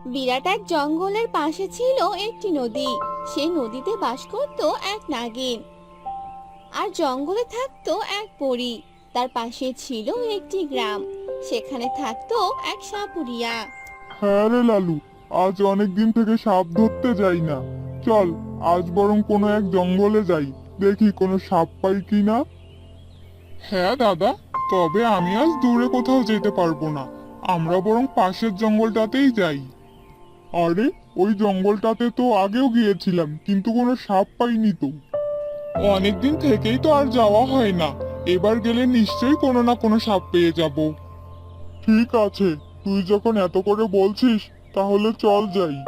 বিরাট এক জঙ্গলের পাশে ছিল একটি নদী। সেই নদীতে বাস করত এক নাগিন, আর জঙ্গলে থাকতো এক পরী। তার পাশে ছিল একটি গ্রাম, সেখানে থাকতো এক সাপুরিয়া। হ্যাঁ রে লালু, আজ অনেক দিন থেকে সাপ ধরতে যাই না। চল, আজ বরং কোনো এক জঙ্গলে যাই, দেখি কোনো সাপ পাই কিনা। হ্যাঁ দাদা, তবে আমি আজ দূরে কোথাও যেতে পারবো না। আমরা বরং পাশের জঙ্গলটাতেই যাই। আরে, ওই জঙ্গলটাতে তো আগেও গিয়েছিলাম, কিন্তু কোনো সাপ পাইনি তো। অনেকদিন থেকেই তো আর যাওয়া হয় না। এবার গেলে নিশ্চয়ই কোনো না কোনো সাপ পেয়ে যাব। ঠিক আছে, তুই যখন এত করে বলছিস, তাহলে চল যাই।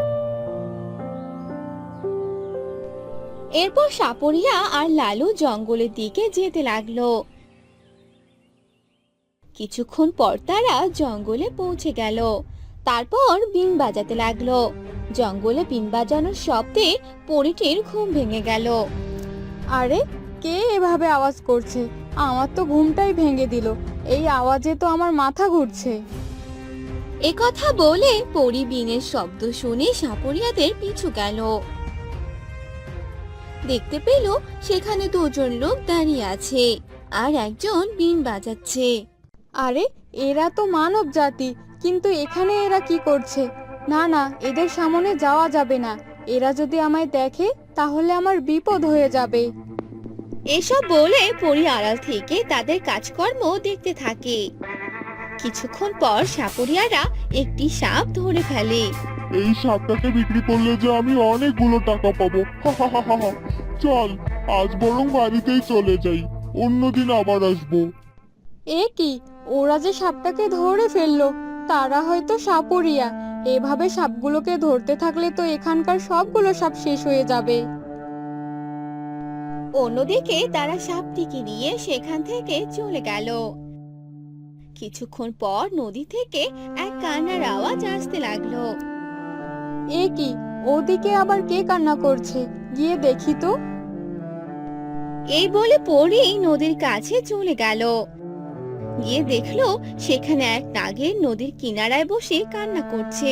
এরপর সাপুরিয়া আর লালু জঙ্গলের দিকে যেতে লাগলো। কিছুক্ষণ পর তারা জঙ্গলে পৌঁছে গেল। তারপর বিন বাজাতে লাগলো। জঙ্গলে বিন বাজানোর শব্দে পরীটির ঘুম ভেঙে গেল। আরে, কে এভাবে আওয়াজ করছে? আমার তো ঘুমটাই ভেঙে দিল। এই আওয়াজে তো আমার মাথা ঘুরছে। এ কথা বলে পরী বিনের শব্দ শুনে সাপুরিয়াদের পিছু গেল। দেখতে পেল সেখানে দুজন লোক দাঁড়িয়ে আছে, আর একজন বিন বাজাচ্ছে। আরে, এরা তো মানব জাতি, কিন্তু এখানে এরা কি করছে? না না, এদের সামনে যাওয়া যাবে না। এরা যদি আমায় দেখে, তাহলে আমার বিপদ হয়ে যাবে। এসব বলে পরী আড়াল থেকে তাদের কাজকর্ম দেখতে থাকে। কিছুক্ষণ পর সাপুরিয়ারা একটি সাপ ধরে ফেলে। এই সাপটাকে বিক্রি করলে যে আমি অনেকগুলো টাকা পাবো। চল, আজ বরং বাড়িতেই চলে যাই, অন্যদিন আবার আসবো। এ কি, ওরা যে সাপটাকে ধরে ফেললো! তারা হয়তো সাপুরিয়া। এভাবে সাপগুলোকে ধরতে থাকলে তো এখানকার সবগুলো সাপ শেষ হয়ে যাবে। অন্যদিকে তারা সাপটিকে নিয়ে সেখান থেকে চলে গেল। কিছুক্ষণ পর নদী থেকে এক কান্নার আওয়াজ আসতে লাগলো। এ কি, ওদিকে আবার কে কান্না করছে? গিয়ে দেখি তো। এই বলে পরী নদীর কাছে চলে গেল। গিয়ে দেখলো সেখানে এক নাগের নদীর কিনারায় বসে কান্না করছে।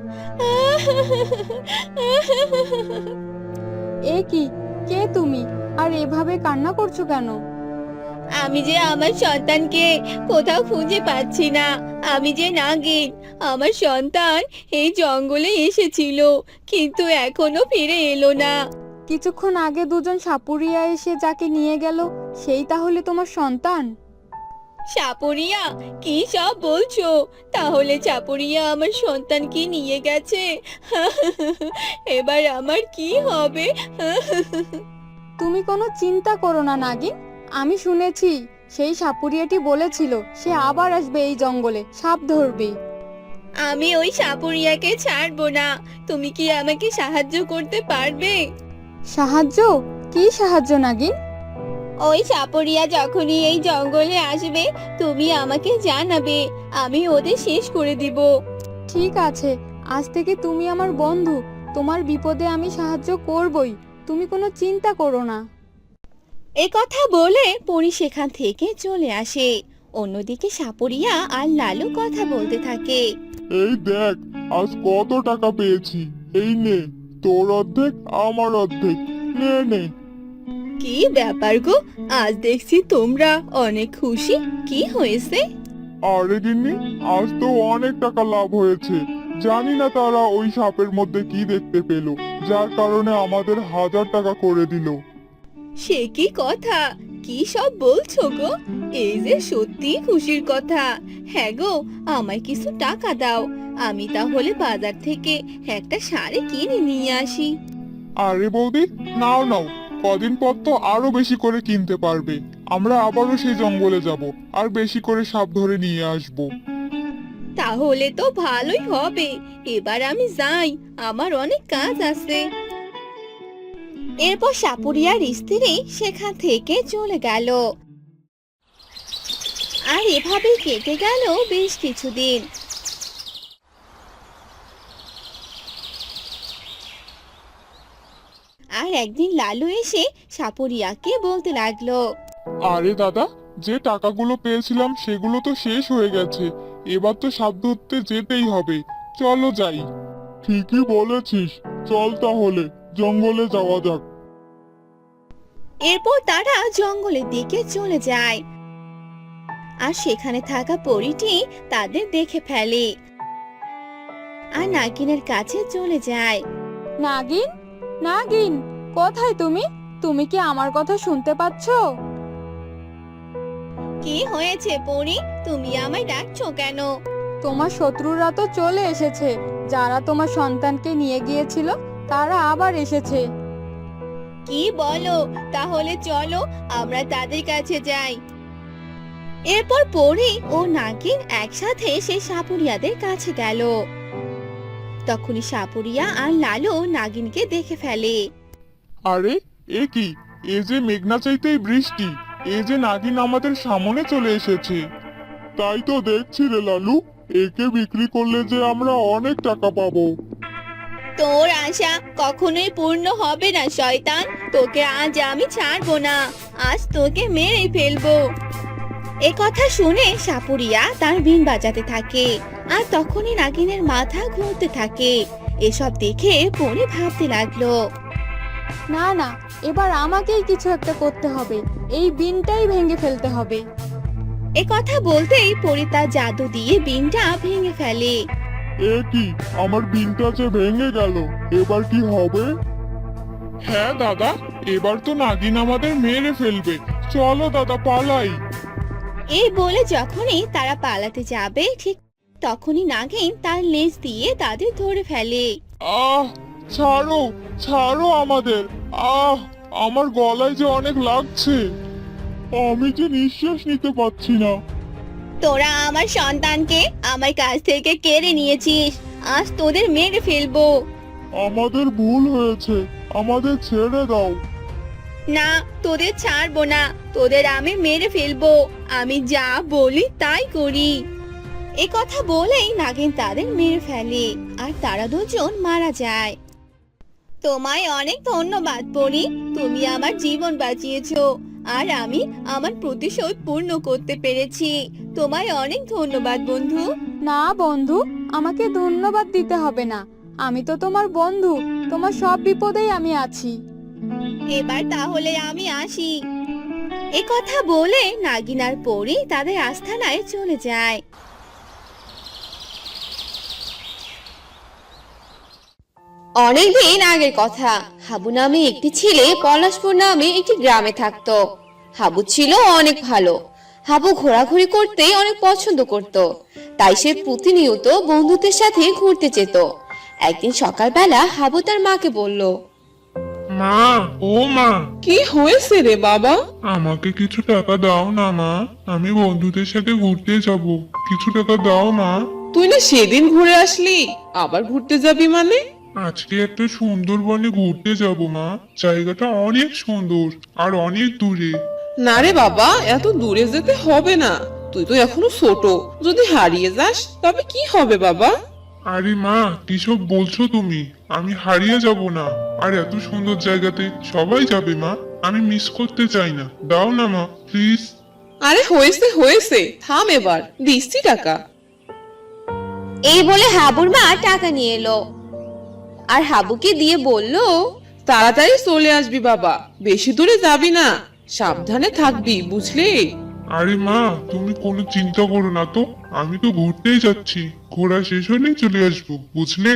এ কি, কে তুমি? আর এভাবে কান্না করছো কেন? আমি যে আমার সন্তানকে কোথাও খুঁজে পাচ্ছি না। আমি যে নাগিন, আমার সন্তান এই জঙ্গলে এসেছিল, কিন্তু এখনো ফিরে এলো না। কিছুক্ষণ আগে দুজন সাপুরিয়া এসে যাকে নিয়ে গেল, সেই তাহলে তোমার সন্তান? সাপুরিয়া, কি সব বলছো? তাহলে চাপুরিয়া আমার সন্তানকে নিয়ে গেছে। এবার আমার কি হবে? তুমি কোনো চিন্তা করো না নাগিন। আমি শুনেছি সেই সাপুরিয়াটি বলেছিল সে আবার আসবে এই জঙ্গলে সাপ ধরবে। আমি ওই সাপুরিয়াকে ছাড়বো না। তুমি কি আমাকে সাহায্য করতে পারবে? সাহায্য? কি সাহায্য নাগিন? ওই সাপুরিয়া যখনই এই জঙ্গলে আসবে, তুমি আমাকে জানাবে। আমি ওদের শেষ করে দিব। ঠিক আছে, আজ থেকে তুমি আমার বন্ধু। তোমার বিপদে আমি সাহায্য করবই। তুমি কোনো চিন্তা করো না। এ কথা বলে পরি সেখান থেকে চলে আসে। অন্যদিকে সাপুরিয়া আর লালু কথা বলতে থাকে। এই দেখ, আজ কত টাকা পেয়েছি। এই নে, তোর অর্ধেক আমার অর্ধেক, নে নে। কি ব্যাপার গো, আজ দেখছি তোমরা অনেক খুশি। কি হয়েছে? আরে গিন্নি, আজ তো অনেক টাকা লাভ হয়েছে। জানি না তারা ওই সাপের মধ্যে কি দেখতে পেল, যার কারণে আমাদের 1000 টাকা করে দিল। সে কি কথা? কি সব বলছো গো? এই যে সত্যি খুশির কথা। হ্যাঁ গো, আমায় কিছু টাকা দাও। আমি তাহলে বাজার থেকে একটা শাড়ি কিনে নিয়ে আসি। আরে বৌদি, নাও নাও, কদিন পর তো আরো বেশি করে কিনতে পারবে। আমরা আবারও সেই জঙ্গলে যাব, আর বেশি করে সাপ ধরে নিয়ে আসব। তাহলে তো ভালোই হবে। এবার আমি যাই, আমার অনেক কাজ আছে। এরপর সাপুরিয়ার স্ত্রী সেখান থেকে চলে গেল। আর এভাবে কেটে গেল বেশ কিছুদিন। আর একদিন লালু এসে সাপুরিয়াকে বলতে লাগলো। আরে দাদা, যে টাকাগুলো পেয়েছিলাম সেগুলো তো শেষ হয়ে গেছে। এবার তো সাপ ধরতে যেতেই হবে, চলো যাই। ঠিকই বলেছিস, চল তাহলে জঙ্গলে যাওয়া যাক। এরপর তারা জঙ্গলের দিকে চলে যায় আর সেখানে থাকা পরীটি তাদের দেখে ফেলে আর নাগিনের কাছে চলে যায়। নাগিন, নাগিন, কোথায় তুমি? তুমি কি আমার কথা শুনতে পাচ্ছো? কি হয়েছে পরী, তুমি আমায় ডাকছো কেন? তোমার শত্রুরা তো চলে এসেছে। যারা তোমার সন্তানকে নিয়ে গিয়েছিল তারা আবার এসেছে। কি বলো? তাহলে চলো আমরা তাদের কাছে যাই। এরপর পরী ও নাগিন একসাথে সেই সাপুরিয়াদের কাছে গেল। তখনই সাপুরিয়া আর লালু নাগিনকে দেখে ফেলে। আরে এ কি, এ যে মেঘনা চাইতেই বৃষ্টি, এ যে নাগিন আমাদের সামনে চলে এসেছে। তাই তো দেখছি রে লালু, একে বিক্রি করলে যে আমরা অনেক টাকা পাবো। তোর আশা কখনোই পূর্ণ হবে না শয়তান, তোকে আজ আমি ছাড়বো না, আজ তোকে মেরে ফেলবো। এ কথা শুনে সাপুরিয়া তার বিন বাজাতে থাকে আর তখনই নাগিনের মাথা ঘুরতে থাকে। এসব দেখে পরি ভাবতে লাগলো, না না, এবার আমাকেই কিছু একটা করতে হবে। এই বিনটাই ভেঙে ফেলতে হবে। এ কথা বলতেই পরি তার জাদু দিয়ে বিনটা ভেঙে ফেলে। এ কি, আমার বিনটা যে ভেঙে গেল, এবার কি হবে? হ্যাঁ দাদা, এবার তো নাগিন আমাদের মেরে ফেলবে। চলো দাদা পালাই। এই বলে যখনই তারা পালাতে যাবে ঠিক তখনই নাগিন তার লেজ দিয়ে তাদের ধরে ফেলে। আহ, ছাড়ো, ছাড়ো আমাদের। আহ, আমার গলায় যে অনেক লাগছে, আমি যে নিঃশ্বাস নিতে পারছি না। তোরা আমার সন্তানকে আমার কাছ থেকে কেড়ে নিয়েছিস, আজ তোদের মেরে ফেলবো। আমাদের ভুল হয়েছে, আমাদের ছেড়ে দাও। না, তোদের ছাড়বো না, তোদের আমি মেরে ফেলবো। আমি যা বলি তাই করি। এ কথা বলেই নাগিন তাদের মেরে ফেলে আর তারা দুজন মারা যায়। তোমায় অনেক ধন্যবাদ পরি, তুমি আমার জীবন বাঁচিয়েছো আর আমি আমার প্রতিশোধ পূর্ণ করতে পেরেছি। তোমায় অনেক ধন্যবাদ বন্ধু। না বন্ধু, আমাকে ধন্যবাদ দিতে হবে না। আমি তো তোমার বন্ধু, তোমার সব বিপদেই আমি আছি। এবার তাহলে আমি আসি। এ কথা বলে নাগিন আর পরি তাদের আস্তানায় চলে যায়। অনেকদিন আগের কথা, হাবু নামে একটি ছেলে পলাশপুর নামে একটি গ্রামে থাকতো। হাবু ছিল অনেক ভালো। হাবু ঘোরাঘুরি করতে অনেক পছন্দ করত, তাই সে প্রতিনিয়ত বন্ধুদের সাথে ঘুরতে যেত। একদিন সকালবেলা হাবু তার মাকে বলল, মা, ও মা, কি হয়েছে রে বাবা? আমাকে কিছু টাকা দাও না মা, আমি বন্ধুদের সাথে ঘুরতে যাব। কিছু টাকা দাও মা। তুই না সেদিন ঘুরে আসলি, আবার ঘুরতে যাবি মানে? আজকে একটা সুন্দরবনে ঘুরতে যাব মা, জায়গাটা অনেক সুন্দর আর অনেক দূরে। না রে বাবা, এত দূরে যেতে হবে না। তুই তো এখনো ছোট, যদি হারিয়ে যাস তবে কি হবে বাবা? আরে মা, কিসব বলছো তুমি? আমি হারিয়ে যাব না, আর এত সুন্দর জায়গাতে সবাই যাবে মা, আমি মিস করতে চাই না। দাও না মা, প্লিজ। আরে হয়েছে হয়েছে, থাম এবার, দিচ্ছি টাকা। এই বলে হাবুর মা টাকা নিয়ে এলো আর হাবুকে দিয়ে বলল, তাড়াতাড়ি চলে আসবি বাবা, বেশি দূরে যাবি না, সাবধানে থাকবি বুঝলি? আরে মা, তুমি কোনো চিন্তা করো না তো, আমি তো ঘুরতেই যাচ্ছি, ঘোরা শেষ হলেই চলে আসবো, বুঝলে?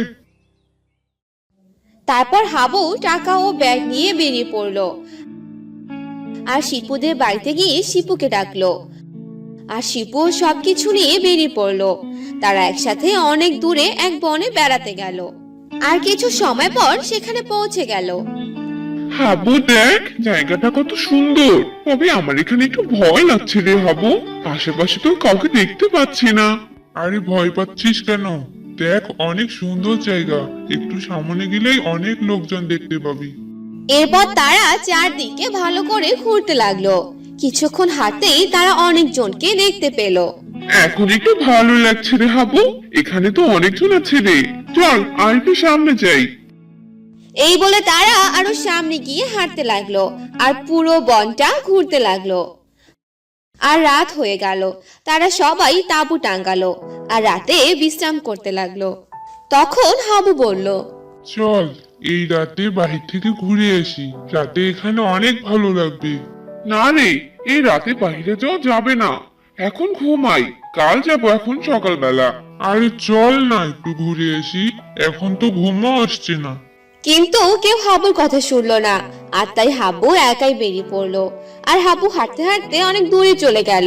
তারপর হাবু টাকা ও ব্যাগ নিয়ে বেরিয়ে পড়লো আর শিপুদের বাড়িতে গিয়ে শিপুকে ডাকলো আর শিপু সবকিছু নিয়ে বেরিয়ে পড়লো। তারা একসাথে অনেক দূরে এক বনে বেড়াতে গেল আর কিছু সময় পর সেখানে পৌঁছে গেল। হাবু দেখ, জায়গাটা কত সুন্দর, তবে আমার এখানে একটু ভয় লাগছে রে হাবু, আশেপাশে তো কাউকে দেখতে পাচ্ছি না। আরে ভয় পাচ্ছিস কেন? দেখ অনেক সুন্দর জায়গা, একটু সামনে গেলেই অনেক লোকজন দেখতে পাবি। এরপর তারা চারদিকে ভালো করে ঘুরতে লাগলো। কিছুক্ষণ হাঁটতেই তারা অনেকজনকে দেখতে পেল। এখন একটু ভালো লাগছে রে হাবু, এখানে তো অনেকজন আছে রে, চল আর একটু সামনে যাই। এই বলে তারা আরো সামনে গিয়ে হাঁটতে লাগলো আর পুরো বনটা ঘুরতে লাগলো। আর রাত হয়ে গেল, তারা সবাই তাঁবু টাঙ্গালো আর রাতে বিশ্রাম করতে লাগলো। তখন হাবু বলল, চল এই রাতে বাহির থেকে ঘুরে আসি, রাতে এখানে অনেক ভালো লাগবে। না রে, এই রাতে বাইরে যাওয়া যাবে না, এখন ঘুমাই, কাল যাবো এখন সকালবেলা। আরে চল না একটু ঘুরে আসি, এখন তো ঘুমও আসছে না। কিন্তু কেউ হাবুর কথা শুনলো না। আর তাই হাবু একাই বেরিয়ে পড়লো। আর হাবু হাঁটতে হাঁটতে অনেক দূরে চলে গেল।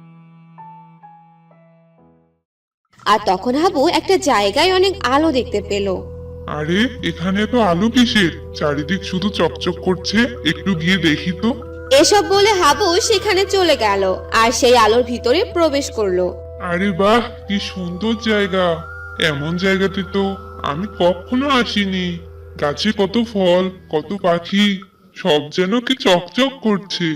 আর তখন হাবু একটা জায়গায় অনেক আলো দেখতে পেল। আরে এখানে তো আলো কিসের? চারিদিক শুধু চকচক করছে, একটু গিয়ে দেখি তো। এসব বলে হাবু সেখানে চলে গেল আর সেই আলোর ভিতরে প্রবেশ করলো। আরে বাহ, কি সুন্দর জায়গা! এমন জায়গাতে তো আমি কখনো আসিনি। গাছে কত ফল, কত পাখি, সব যেন কি চকচক করছে।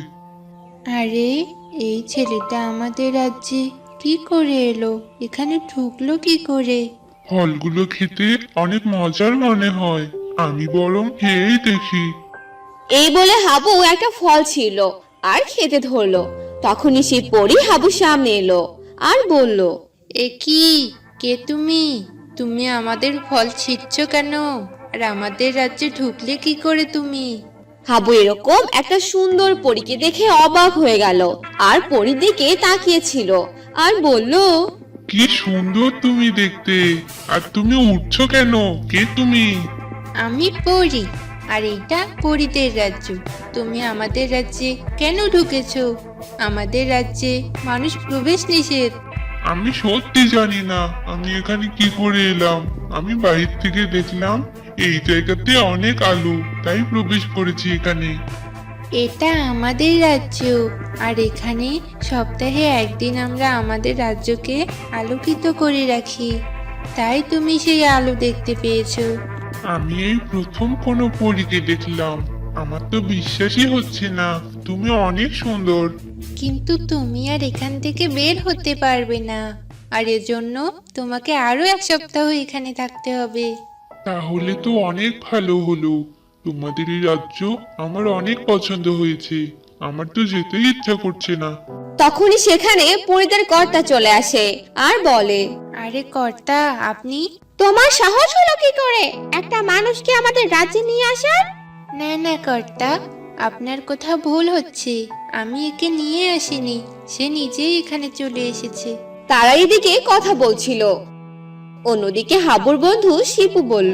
আরে এই ছেলেটা আমাদের রাজ্যে কি করে এলো? এখানে ঢুকলো কি করে? ফলগুলো খেতে অনেক মজার মনে হয়, আমি বরং খেয়েই দেখি। এই বলে হাবু একটা ফল ছিল আর খেতে ধরলো। তখনই সেই পরী হাবুর সামনে এলো আর বলল, এ কি? কে তুমি? তুমি আমাদের ফল ছিঁড়ছ কেন? আর আমাদের রাজ্যে ঢুকলে কি করে তুমি? হাবু এরকম একটা সুন্দর পরীকে দেখে অবাক হয়ে গেল আর পরীর দিকে তাকিয়েছিল আর বলল, কি সুন্দর তুমি দেখতে! আর তুমি উঠছো কেন? কে তুমি? আমি পড়ি, আর এটা পরীদের রাজ্য। তুমি আমাদের রাজ্যে কেন ঢুকেছো? আমাদের রাজ্যে মানুষ প্রবেশ নিষেধ। আমি সত্যি জানি না আমি এখানে কি করে এলাম। আমি বাহির থেকে দেখলাম এই জায়গাতে অনেক আলো, তাই প্রবেশ করেছি এখানে। এটা আমাদের রাজ্য, আর এখানে সপ্তাহে একদিন আমরা আমাদের রাজ্যকে আলোকিত করে রাখি। তাই তুমি সেই আলো দেখতে পেয়েছো। আমি এই প্রথম কোনো পরীকে দেখলাম, আমার তো বিশ্বাসই হচ্ছে না। তুমি অনেক সুন্দর। কিন্তু তুমি আর এখান থেকে বের হতে পারবে না, আর এজন্য তোমাকে আরো 1 সপ্তাহ এখানে থাকতে হবে। তাহলে তো অনেক ভালো হলো। তোমাদের এই রাজ্য আমার অনেক পছন্দ হয়েছে, আমার তো যেতেই ইচ্ছা করছে না। তখনই সেখানে পরীদের কর্তা চলে আসে আর বলে, আরে কর্তা, আপনি? তোমার সাহস হলো কি করে একটা মানুষকে আমাদের রাজ্যে নিয়ে আসার? না না কর্তা, আপনার কোথাও ভুল হচ্ছে। আমি একে নিয়ে আসিনি, সে নিজেই এখানে চলে এসেছে। তারা এদিকে কথা বলছিল। অন্যদিকে হাবুর বন্ধু শিপু বলল,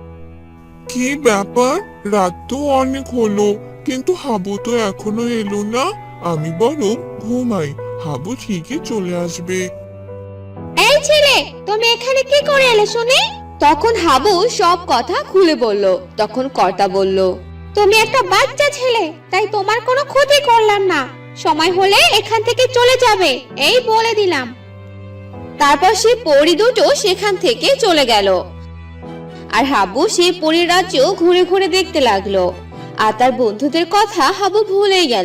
কি ব্যাপার? রাত তো অনেক হলো, কিন্তু হাবু তো এখনো এলো না। আমি বরং ঘুমাই, হাবু ঠিকই চলে আসবে। এই ছেলে, তুমি এখানে কি করে এলে শুনি? তখন হাবু সব কথা খুলে বলল। তখন কর্তা বলল, তুমি একটা বাচ্চা ছেলে, তাই তোমার কোনো ক্ষতি করলাম না। সময় হলে এখান থেকে চলে যাবে, এই বলে দিলাম। তারপর সেই পরী দুটো সেখান থেকে চলে গেল। আর হাবু সেই পরীর রাজ্য ঘুরে ঘুরে দেখতে লাগলো। আর তার বন্ধুদের কথা হাবু ভুলেই গেল।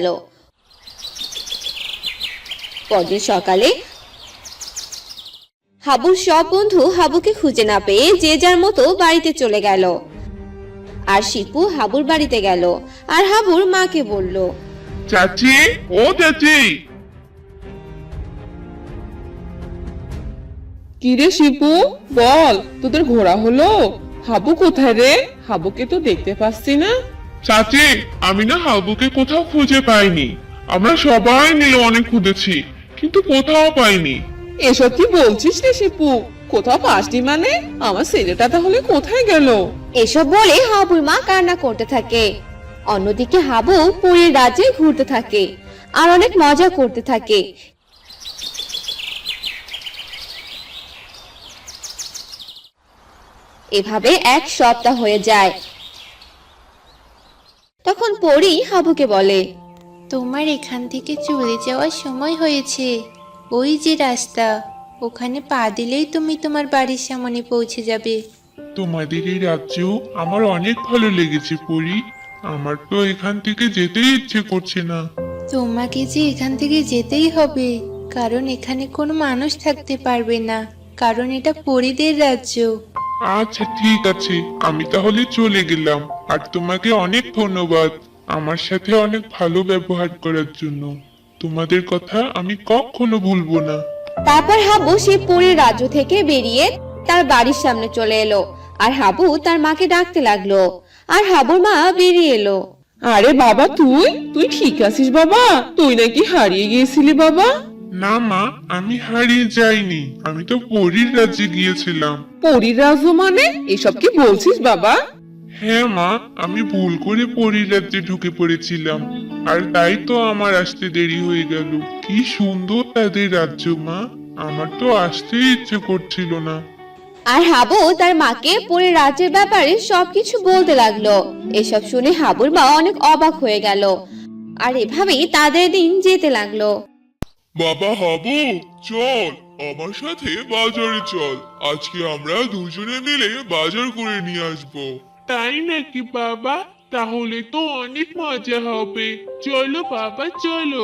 পরদিন সকালে হাবুর সব বন্ধু হাবুকে খুঁজে না পেয়ে যে যার মতো বাড়িতে চলে গেল। আর শিপু হাবুর বাড়িতে গেল আর হাবুর মাকে বলল, চাচি, ও চাচি। কিরে শিপু, বল, তোদের ঘোরা হলো? হাবু কোথায় রে? হাবুকে তো দেখতে পাচ্ছি না। চাচি, আমি না হাবুকে কোথাও খুঁজে পাইনি। আমরা সবাই মিলে অনেক খুঁজেছি, কিন্তু কোথাও পাইনি। এসব কি বলছিস রে শিপু? কোথাও পাসনি মানে? আমার ছেলেটা তাহলে কোথায় গেল? এসব বলে হাবুর মা কান্না করতে থাকে। অন্যদিকে হাবু পরীর রাজ্যে ঘুরতে থাকে আর অনেক মজা করতে থাকে। এভাবে 1 সপ্তাহ হয়ে যায়। তখন পরী হাবুকে বলে, তোমার এখান থেকে চলে যাওয়ার সময় হয়েছে। ওই যে রাস্তা, ওখানে পা দিলেই তুমি তোমার বাড়ির সামনে পৌঁছে যাবে। তোমাদের এই রাজ্য আমার অনেক ভালো লেগেছে পরি। আমার তো এখান থেকে যেতেই ইচ্ছে করছে না। তোমাকে যে এখান থেকে যেতেই হবে, কারণ এখানে কোনো মানুষ থাকতে পারবে না, কারণ এটা পরীদের রাজ্য। আচ্ছা ঠিক আছে, আমি তাহলে চলে গেলাম। আর তোমাকে অনেক ধন্যবাদ আমার সাথে অনেক ভালো ব্যবহার করার জন্য। তোমাদের কথা আমি কখনো ভুলবো না। তারপর হাবু সেই পরীর রাজ্য থেকে বেরিয়ে তার বাড়ির সামনে চলে এলো আর হাবু তার মাকে ডাকতে লাগলো আর হাবুর মা বেরিয়ে এলো। আরে বাবা, তুই তুই ঠিক আছিস বাবা? তুই নাকি হারিয়ে গিয়েছিলি বাবা? না মা, আমি হারিয়ে যাইনি, আমি তো পরীর রাজ্যে গিয়েছিলাম। পরীর রাজ্য মানে? এসব কি বলছিস বাবা? হ্যাঁ মা, আমি ভুল করে পরীর রাজ্যে ঢুকে পড়েছিলাম, আর তাই তো আমার আসতে দেরি হয়ে গেল। কি সুন্দর তাদের রাজ্য মা, আমার তো আসতেই ইচ্ছে করছিল না। আর হাবু তার মাকে পরীর রাজ্যের ব্যাপারে সবকিছু বলতে লাগলো। এসব শুনে হাবুর মা অনেক অবাক হয়ে গেল। আর এভাবেই তাদের দিন যেতে লাগলো। বাবা হাবু, চল আমার সাথে বাজারে চল। আজকে আমরা দুজনে মিলে বাজার করে নিয়ে আসবো। তাই নাকি বাবা? তাহলে তো অনেক মজা হবে। চলো বাবা, চলো।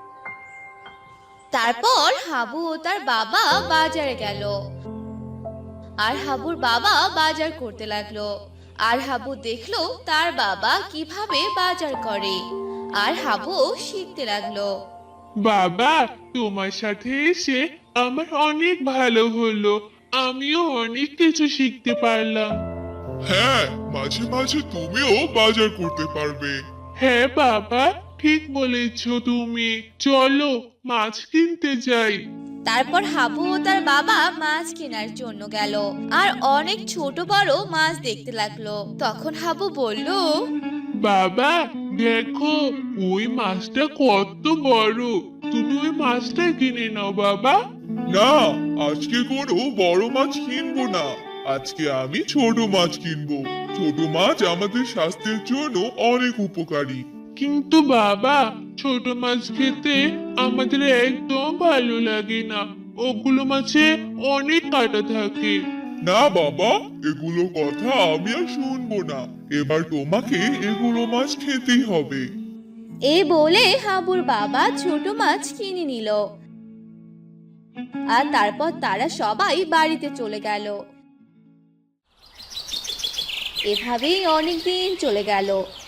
তারপর হাবু ও তার বাবা বাজারে গেল। আর হাবুর বাবা বাজার করতে লাগলো। আর হাবু দেখলো তার বাবা কিভাবে বাজার করে। আর হাবু শিখতে লাগলো। বাবা, তোমার সাথে এসে আমার অনেক ভালো হলো। আমিও অনেক কিছু শিখতে পারলাম। হ্যাঁ, মাঝে মাঝে তুমিও বাজার করতে পারবে। হ্যাঁ বাবা, ঠিক বলেছো তুমি। চলো মাছ কিনতে যাই। তারপর হাবু ও তার বাবা মাছ কেনার জন্য গেল আর অনেক ছোট বড় মাছ দেখতে লাগলো। তখন হাবু বলল, বাবা দেখো, ওই মাছটা কত বড়। তুমি ওই মাছটা কিনে নাও বাবা। না, আজকে কোনো বড় মাছ কিনবো না। আজকে আমি ছোট মাছ কিনবো। ছোট মাছ আমাদের স্বাস্থ্যের জন্য অনেক উপকারী। কিন্তু বাবা, ছোট মাছ খেতে আমাদের একদম ভালো লাগে না। ওগুলো মাছে অনেক কাঁটা থাকে। না বাবা, এগুলো কথা আমি আর শুনবো না। এবার তোমাকে এগুলো মাছ খেতেই হবে। এই বলে হাবুর বাবা ছোট মাছ কিনে নিল। আর তারপর তারা সবাই বাড়িতে চলে গেল। এভাবেই অনেক দিন চলে গেল।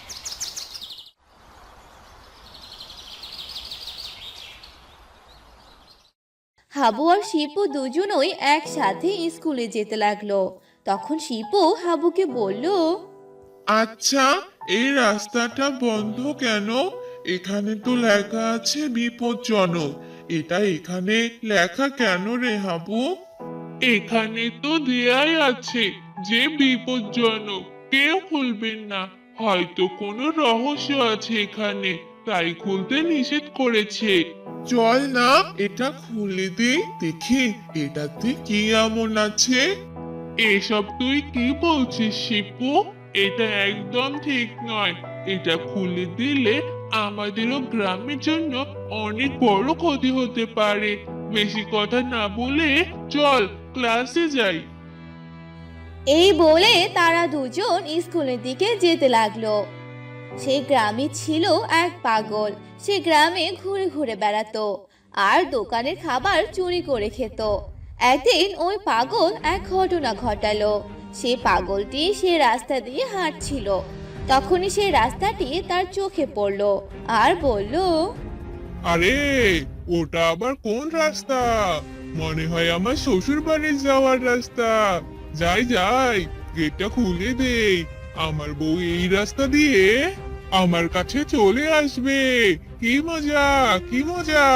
হাবু আর শিপু দুজনই একসাথে স্কুলে যেতে লাগলো। তখন শিপু হাবুকে বলল, আচ্ছা, এই রাস্তাটা বন্ধ কেন? এখানে তো লেখা আছে বিপজ্জনক। এটা এখানে লেখা কেন রে হাবু? এখানে তো দেয়াই আছে যে বিপজ্জনক, কেউ খুলবেন না। হয়তো কোনো রহস্য আছে এখানে, তাই খুলতে নিষেধ করেছে। চল না, এটা খুলে দিই, দেখি এটাতে কি এমন আছে। এসব তুই কি বলছিস শিপু? এটা একদম ঠিক নয়। এটা খুলে দিলে আমাদেরও গ্রামের জন্য অনেক বড় ক্ষতি হতে পারে। বেশি কথা না বলে চল ক্লাসে যাই। এই বলে তারা দুজন স্কুলের দিকে যেতে লাগলো। সেই গ্রামে ছিল এক পাগল। সে গ্রামে ঘুরে ঘুরে বেড়াতো আর দোকানের খাবার চুরি করে খেত। একদিন ওই পাগল এক ঘটনা ঘটালো। সে পাগলটি সে রাস্তা দিয়ে হাঁটছিল। তখনই সেই রাস্তাটি তার চোখে পড়লো আর বলল, আরে, ওটা আবার কোন রাস্তা? মনে হয় আমার শ্বশুর বাড়ি যাওয়ার রাস্তা। যাই যাই, গেটটা খুলে দেই। আমার বউ এই রাস্তা দিয়ে আমার কাছে চলে আসবে। কি মজা, কি মজা!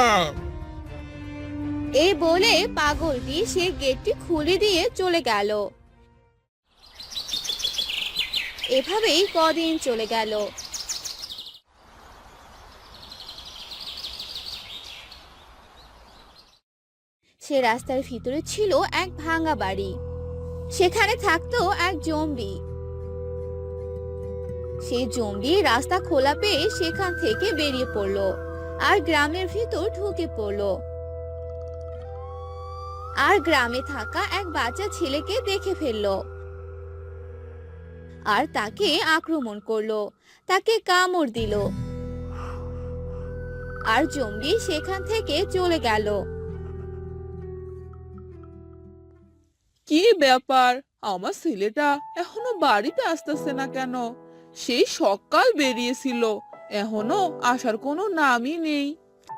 এই বলে পাগলটি সে গেটটি খুলে দিয়ে চলে গেল। এভাবেই কদিন চলে গেল। সে রাস্তার ভিতরে ছিল এক ভাঙা বাড়ি। সেখানে থাকতো এক জম্বি। সেই জম্বি রাস্তা খোলা পেয়ে সেখান থেকে বেরিয়ে পড়লো আর গ্রামের ভিতর ঢুকে পড়লো। আর গ্রামে থাকা এক বাচ্চা ছেলেকে দেখে ফেললো আর তাকে আক্রমণ করলো, তাকে কামড় দিল। আর জম্বি সেখান থেকে চলে গেল। কি ব্যাপার, আমার ছেলেটা এখনো বাড়িতে আসতেছে না কেন? সেই সকাল বেরিয়েছিল, এখনো আসার কোনো নামই নেই।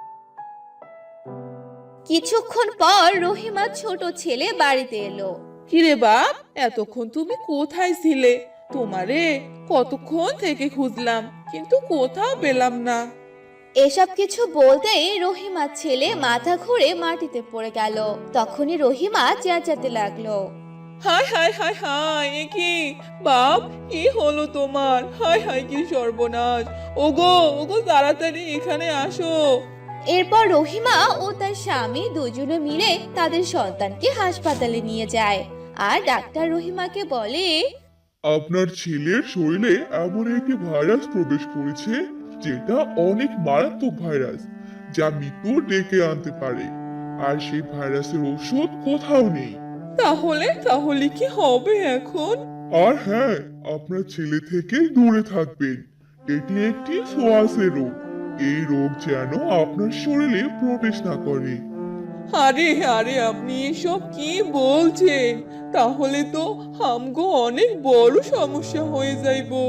কিছুক্ষণ পর রহিমা ছোট ছেলে বাড়িতে এলো। কিরে বাপ, এতক্ষণ তুমি কোথায় ছিলে? তোমারে কতক্ষণ থেকে খুঁজলাম, কিন্তু কোথাও পেলাম না। এসব কিছু বলতেই রহিমার ছেলে মাথা ঘুরে মাটিতে পড়ে গেল। তখনই রহিমা চেঁচাতে লাগলো। হায় হায় হায় হায়, এ কি বাপ, কি হলো তোমার? হায় হায়, কি সর্বনাশ! ওগো ওগো, তাড়াতাড়ি এখানে আসো। এরপর রহিমা ও তার স্বামী দুজনে মিলে তাদের সন্তানকে হাসপাতালে নিয়ে যায়। আর ডাক্তার রহিমাকে বলে, আপনার ছেলের শরীরে এমন একটি ভাইরাস প্রবেশ করেছে যেটা অনেক মারাত্মক ভাইরাস, যা মৃত্যু ডেকে আনতে পারে। আর সেই ভাইরাসের ওষুধ কোথাও নেই। তাহলে তাহলে কি হবে এখন? আর হ্যাঁ, আপনার ছেলে থেকে দূরে থাকবেন। এটি একটি ছোঁয়াচে রোগ। এই রোগ যেন আপনার শরীরে প্রবেশ না করে। আরে আরে, আপনি এসব কি বলছেন? তাহলে তো আমগো অনেক বড় সমস্যা হয়ে যাইবো।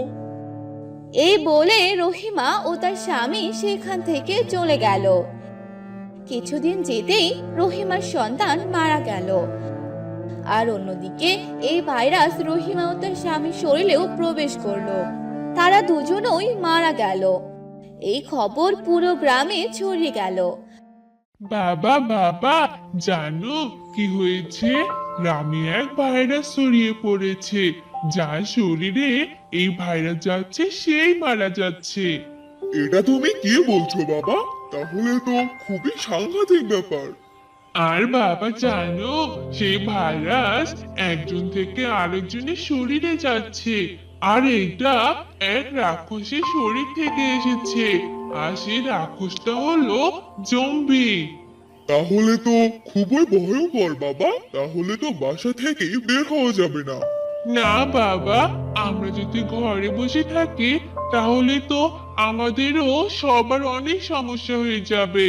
এই বলে রহিমা ও তার স্বামী সেখান থেকে চলে গেল। কিছুদিন যেতেই রহিমার সন্তান মারা গেল। আর অন্যদিকে এই ভাইরাস রহিমা ও তার স্বামীর শরীরেও প্রবেশ করলো। তারা দুজনই মারা গেল। এই খবর পুরো গ্রামে ছড়িয়ে গেল। বাবা বাবা, জানো কি হয়েছে? গ্রামে এক ভাইরাস ছড়িয়ে পড়েছে। যার শরীরে এই ভাইরাস যাচ্ছে সেই মারা যাচ্ছে। এটা তুমি কি বলছো বাবা? তাহলে তো খুবই সাংঘাতিক ব্যাপার। আর বাবা জানো, সেই ভাইরাস একজন থেকে আরেকজনের শরীরে যাচ্ছে। আর এটা এক রাক্ষসের শরীর থেকে এসেছে। আর সেই রাক্ষসটা হলো জম্বি। তাহলে তো খুবই ভয়ঙ্কর বাবা। তাহলে তো বাসা থেকে বের হওয়া যাবে না। না বাবা, আমরা যদি ঘরে বসে থাকি তাহলে তো আমাদেরও সবার অনেক সমস্যা হয়ে যাবে।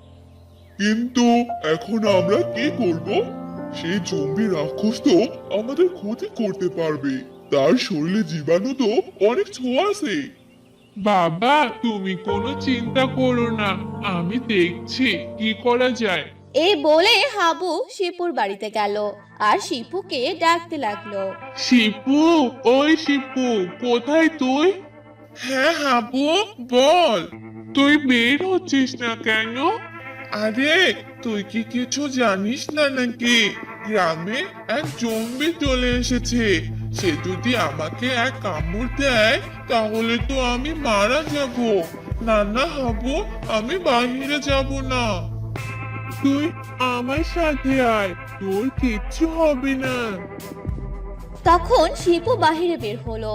কিন্তু এখন আমরা কি করব? সেই জম্বি রাক্ষস তো আমাদের ক্ষতি করতে পারবে। তার শরীরে জীবাণু তো অনেক ছোঁয়াছে। বাবা, তুমি কোনো চিন্তা করো না, আমি দেখছি কি করা যায়। এই বলে হাবু শিপুর বাড়িতে গেল আর শিপুকে ডাকতে লাগলো। শিপু, ওই শিপু, কোথায় তুই? হ্যাঁ হাবু, বল। তুই বের হচ্ছিস না কেন? আরে, তুই কি কিছু জানিস না নাকি? গ্রামে এক জম্বি চলে এসেছে। সে যদি আমাকে এক কামড় দেয় তাহলে তো আমি মারা যাব। না না হাবু, আমি বাইরে যাব না। তুই আমার সাথে আয়, তোর কিচ্ছু হবে না। তখন শিপু বাহিরে বের হলো।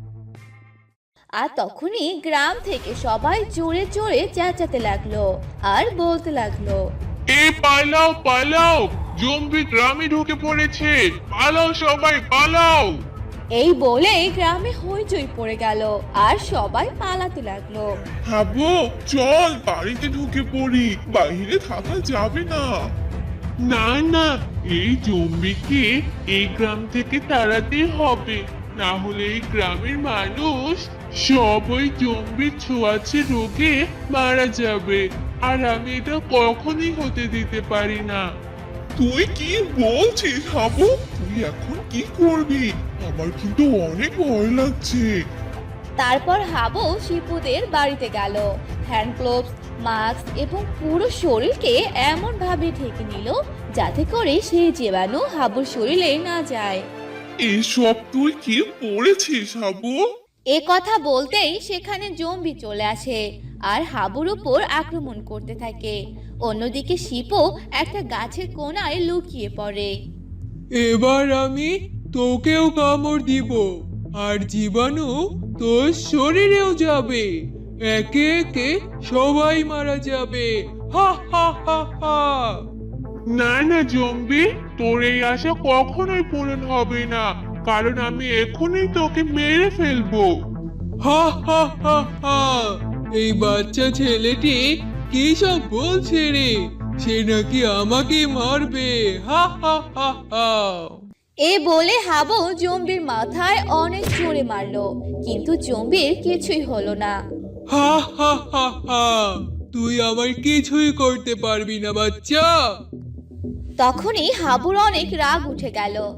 আর তখনই গ্রাম থেকে সবাই জোরে জোরে চেঁচাতে লাগলো আর বলতে লাগলো, পালাও পালাও, জম্বি গ্রামে ঢুকে পড়েছে, পালাও সবাই পালাও। এই বলে গ্রামে হইচই পড়ে গেল আর সবাই পালাতে লাগলো। হাবু, চল বাড়িতে ঢুকে পড়ি, বাইরে থাকা যাবে না। না না, এই জম্বিকে এই গ্রাম থেকে তাড়াতে হবে, না হলে এই গ্রামের মানুষ সব ওই জম্বির ছোঁয়াচে রোগে মারা যাবে। আর আমি এটা কখনোই হতে দিতে পারি না। তুই কি বলছিস হাবু? তুই এখন কি করবি? আমার কিন্তু অনেক ভয় লাগছে। তারপর হাবু শিপুদের বাড়িতে গেল। হ্যান্ড গ্লোভস, মাস্ক এবং পুরো শরীরকে এমন ভাবে ঢেকে নিল যাতে করে সেই জীবাণু হাবুর শরীরে না যায়। এসব তুই কি পড়েছিস হাবু? এ কথা বলতেই সেখানে জম্বি চলে আসে আর হাবুর উপর আক্রমণ করতে থাকে। অন্যদিকে শিপু একটা গাছের কোণায় লুকিয়ে পড়ে। এবার আমি তোকেও কামড় দিব আর জীবাণু তোর শরীরেও যাবে, একে একে সবাই মারা যাবে। হা হা হা হা। না না জম্বি, তোর এই আশা কখনোই পূরণ হবে না, কারণ আমি এখনই তোকে মেরে ফেলবো। হা হা হা হা। এই বাচ্চা ছেলেটি কি সব বলছে রে? সে নাকি আমাকে মারবে। হা হা হা হা। এ বলে হাবু জম্বির মাথায় অনেক জোরে মারলো, কিন্তু জম্বির কিছুই হলো না। হা হা হা হা। তুই আমার কিছুই করতে পারবি না বাচ্চা। তখনই হাবুর অনেক রাগ উঠে গেল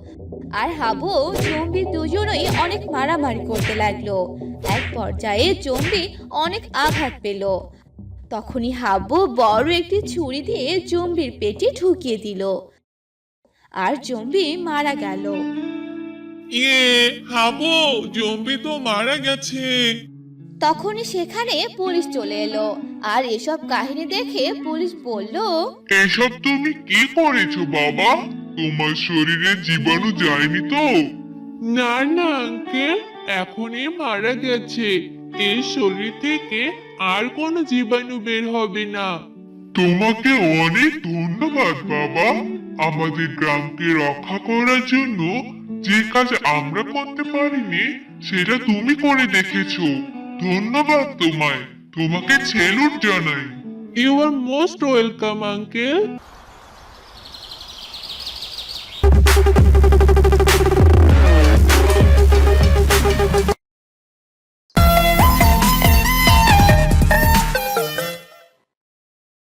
আর হাবু ও জম্বি দুজনেই অনেক মারামারি করতে লাগলো। এক পর্যায়ে জম্বি অনেক আঘাত পেল। তখনই হাবু বড় একটি ছুরি দিয়ে জম্বির পেটে ঢুকিয়ে দিল, আর জম্বি মারা গেল। ইয়ে, হাবু, জম্বি তো মারা গেছে। তখনই সেখানে পুলিশ চলে এলো, আর এসব কাহিনী দেখে পুলিশ বলল, এসব তুমি কি করেছো বাবা? তোমার শরীরে জীবাণু যায়নি তো? না না আঙ্কেল, এখনই মারা গেছে। এর শরীর থেকে আর কোনো জীবাণু বের হবে না। তোমাকে অনেক ধন্যবাদ বাবা। আমাদের গ্রামকে রক্ষা করার জন্য যে কাজ আমরা করতে পারিনি সেটা তুমি করে দেখেছো। ধন্যবাদ তোমায়। তোমাকে সেলুট জানাই। You are most welcome uncle.